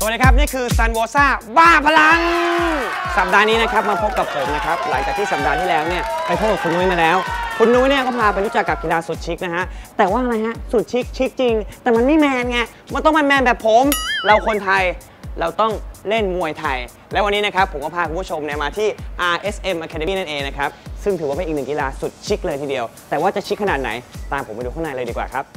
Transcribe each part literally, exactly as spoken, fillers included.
วัสดีครับนี่คือซันโวซ่าบ้าพลังสัปดาห์นี้นะครับมาพบกับผมนะครับหลังจากที่สัปดาห์ที่แล้วเนี่ยไปพบกับคุณนุ้ยมาแล้วคุณนุ้ยเนี่ยก็พาไปรู้จักกับกีฬาสุดชิคนะฮะแต่ว่าอะไรฮะสุดชิคชิคจริงแต่มันไม่แมนไงมันต้องมันแมนแบบผมเราคนไทยเราต้องเล่นมวยไทยและวันนี้นะครับผมก็พาคุณผู้ชมเนี่ยมาที่ อาร์ เอส เอ็ม Academy นั่นเองนะครับซึ่งถือว่าเป็นอีกหนึ่งกีฬาสุดชิคเลยทีเดียวแต่ว่าจะชิคขนาดไหนตามผมไปดูข้างในเลยดีกว่าครับ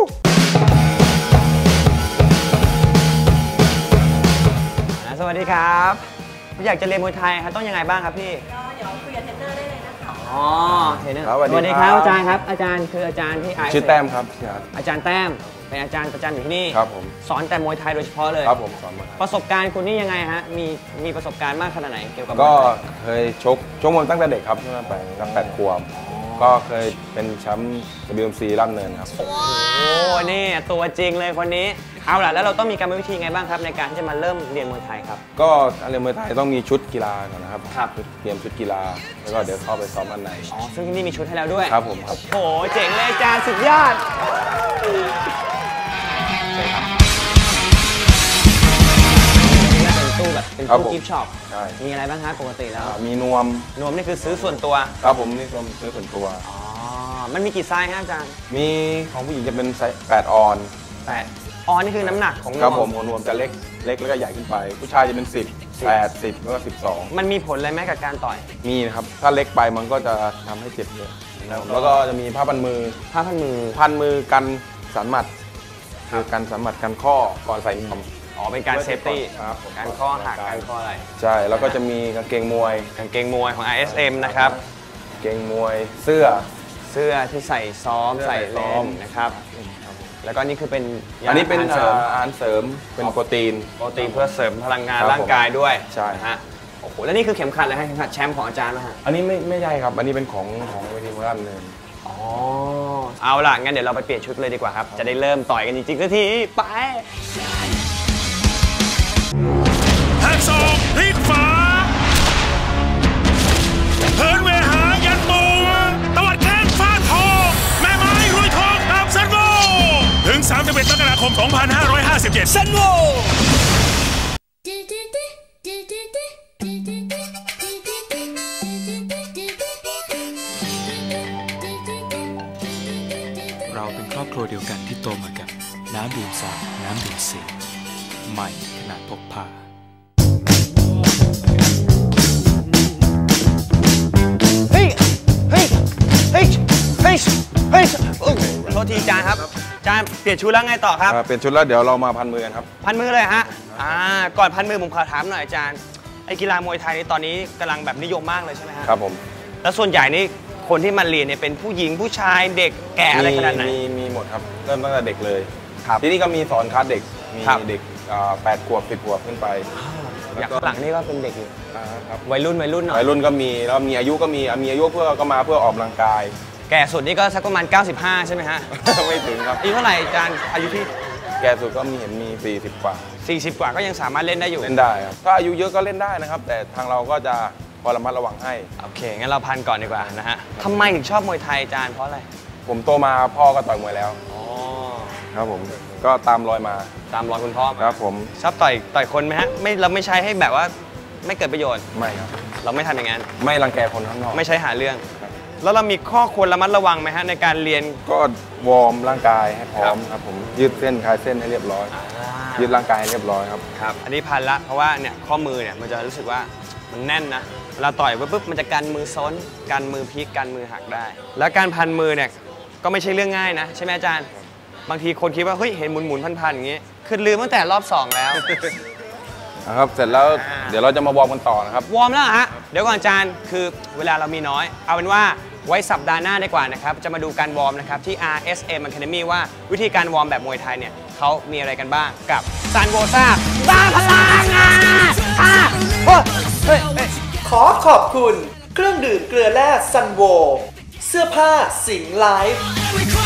สวัสดีครับอยากจะเรียนมวยไทยครับต้องยังไงบ้างครับพี่ก็เดี๋ยวคุยกับเทรนเนอร์ได้เลยนะคะอ๋อเทรนเนอร์สวัสดีครับอาจารย์ครับอาจารย์คืออาจารย์ที่ชื่อแต้มครับอาจารย์แต้มเป็นอาจารย์ประจำอยู่ที่นี่ครับผมสอนแต่มวยไทยโดยเฉพาะเลยครับผมสอนมาประสบการณ์คุณนี่ยังไงฮะมีมีประสบการณ์มากขนาดไหนเกี่ยวกับก็เคยชกชกมวยตั้งแต่เด็กครับตั้งแต่ตั้งแต่ขวบก็เคยเป็นแชมป์ ดับเบิลยู เอ็ม ซี ล่ำเนินครับโอ้นี่ตัวจริงเลยคนนี้เอาล่ะแล้วเราต้องมีการวิธีไงบ้างครับในการที่จะมาเริ่มเรียนมวยไทยครับก็การเรียนมวยไทยต้องมีชุดกีฬาก่อนนะครับครับเตรียมชุดกีฬาแล้วก็เดี๋ยวเข้าไปซ้อมอันไหนอ๋อซึ่งที่นี่มีชุดให้แล้วด้วยครับผมครับโอ้โหเจ๋งเลยอาจารย์สุดยอดเป็นตู้แบบเป็นตู้กิฟต์ช็อปมีอะไรบ้างครับปกติแล้วมีนวมนวมนี่คือซื้อส่วนตัวครับผมนี่นวมซื้อส่วนตัวอ๋อมันมีกี่ไซส์ฮะอาจารย์มีของผู้หญิงจะเป็นไซส์แปดออนแปดออนนี่คือน้ำหนักของนวมครับผมนวมจะเล็กเล็กแล้วก็ใหญ่ขึ้นไปผู้ชายจะเป็นสิบ แปด สิบแล้วก็สิบสองมันมีผลอะไรไหมกับการต่อยมีนะครับถ้าเล็กไปมันก็จะทำให้เจ็บเยอะแล้วก็จะมีผ้าพันมือผ้าพันมือพันมือกันสันหมัดคือกันสันหมัดกันข้อก่อนใส่นวมอ๋อเป็นการเซฟตี้การข้อหักการข้ออะไรใช่แล้วก็จะมีกางเกงมวยกางเกงมวยของ อาร์ เอส เอ็ม นะครับกางเกงมวยเสื้อเสื้อที่ใส่ซ้อมใส่เล่นนะครับแล้วก็นี่คือเป็นอันนี้เป็นอาหารเสริมเป็นโปรตีนโปรตีนเพื่อเสริมพลังงานร่างกายด้วยใช่ฮะโอ้โหแล้วนี่คือเข็มขัดเลยฮะเข็มขัดแชมป์ของอาจารย์นะฮะอันนี้ไม่ไม่ใช่ครับอันนี้เป็นของของเวทีมวยเลยอ๋อเอาล่ะงั้นเดี๋ยวเราไปเปลี่ยนชุดเลยดีกว่าครับจะได้เริ่มต่อยกันจริงๆสักทีไปหักศอกพลิกฝาเหินเวหายันตัวตวัดแข้งฟาดทองแม่ไม้รวยทองกับซันโวถึงสามสิบเอ็ดมกราคมสองพันห้าร้อยห้าสิบเจ็ดซันโวเราเป็นครอบครัวเดียวกันที่โตมากับน้ำดื่มสาน้ำดื่มสีใหม่ขนาดพกพาเฮ้ยเฮ้ยเฮ้ยเฮ้ยเฮ้ยโทษทีอาจารย์ครับอาจารย์เปลี่ยนชุดแล้วไงต่อครับเปลี่ยนชุดแล้วเดี๋ยวเรามาพันมือกันครับพันมือเลยฮะอ่าก่อนพันมือผมขอถามหน่อยอาจารย์ไอ้กีฬามวยไทยตอนนี้กำลังแบบนิยมมากเลยใช่ไหมฮะครับผมแล้วส่วนใหญ่นี่คนที่มาเรียนเนี่ยเป็นผู้หญิงผู้ชายเด็กแก่อะไรขนาดไหนมีมีหมดครับเริ่มตั้งแต่เด็กเลยที่นี่ก็มีสอนคลาสเด็กมีเด็กแปดขวบสิบขวบขึ้นไปอย่างหลังนี่ก็เป็นเด็กอยู่วัยรุ่นวัยรุ่นหน่อยวัยรุ่นก็มีแล้วมีอายุก็มีมีอายุเพื่อก็มาเพื่อออกกำลังกายแก่สุดนี่ก็สักประมาณเก้าสิบห้าใช่ไหมฮะไม่ถึงครับอายุเท่าไหร่อาจารย์อายุที่แก่สุดก็มีเห็นมีสี่สิบกว่าสี่สิบกว่าก็ยังสามารถเล่นได้อยู่เล่นได้ครับถ้าอายุเยอะก็เล่นได้นะครับแต่ทางเราก็จะพอระมัดระวังให้โอเคงั้นเราพันก่อนดีกว่านะฮะทำไมถึงชอบมวยไทยอาจารย์เพราะอะไรผมโตมาพ่อก็ต่อยมวยแล้วอ๋อครับผมก็ตามรอยมาตามรอยคุณพ่อครับผมชอบต่อยต่อยคนไหมฮะไม่เราไม่ใช้ให้แบบว่าไม่เกิดประโยชน์ไม่ครับเราไม่ทำอย่างนั้นไม่รังแกคนข้างนอกไม่ใช้หาเรื่องแล้วเรามีข้อควรระมัดระวังไหมฮะในการเรียนก็วอร์มร่างกายให้พร้อมครับผมยืดเส้นคลายเส้นให้เรียบร้อยยืดร่างกายให้เรียบร้อยครับครับอันนี้พันละเพราะว่าเนี่ยข้อมือเนี่ยมันจะรู้สึกว่ามันแน่นนะเวลาต่อยปุ๊บมันจะกันมือซ้นกันมือพลิกกันมือหักได้แล้วการพันมือเนี่ยก็ไม่ใช่เรื่องง่ายนะใช่ไหมอาจารย์บางทีคนคิดว่าเฮ้ยเห็นหมุนหมุนพันๆอย่างนี้คือลืมตั้งแต่รอบสองแล้วนะครับเสร็จแล้วเดี๋ยวเราจะมาวอร์มกันต่อนะครับวอร์มแล้วฮะเดี๋ยวก่อนอาจารย์คือเวลาเรามีน้อยเอาเป็นว่าไว้สัปดาห์หน้าดีกว่านะครับจะมาดูการวอร์มนะครับที่ อาร์ เอส เอ็ม Academy ว่าวิธีการวอร์มแบบมวยไทยเนี่ยเขามีอะไรกันบ้างกับซันโวซ่าบ้าพลังอ่ะขอขอบคุณเครื่องดื่มเกลือแร่ซันโวเสื้อผ้าสิงห์ไลฟ์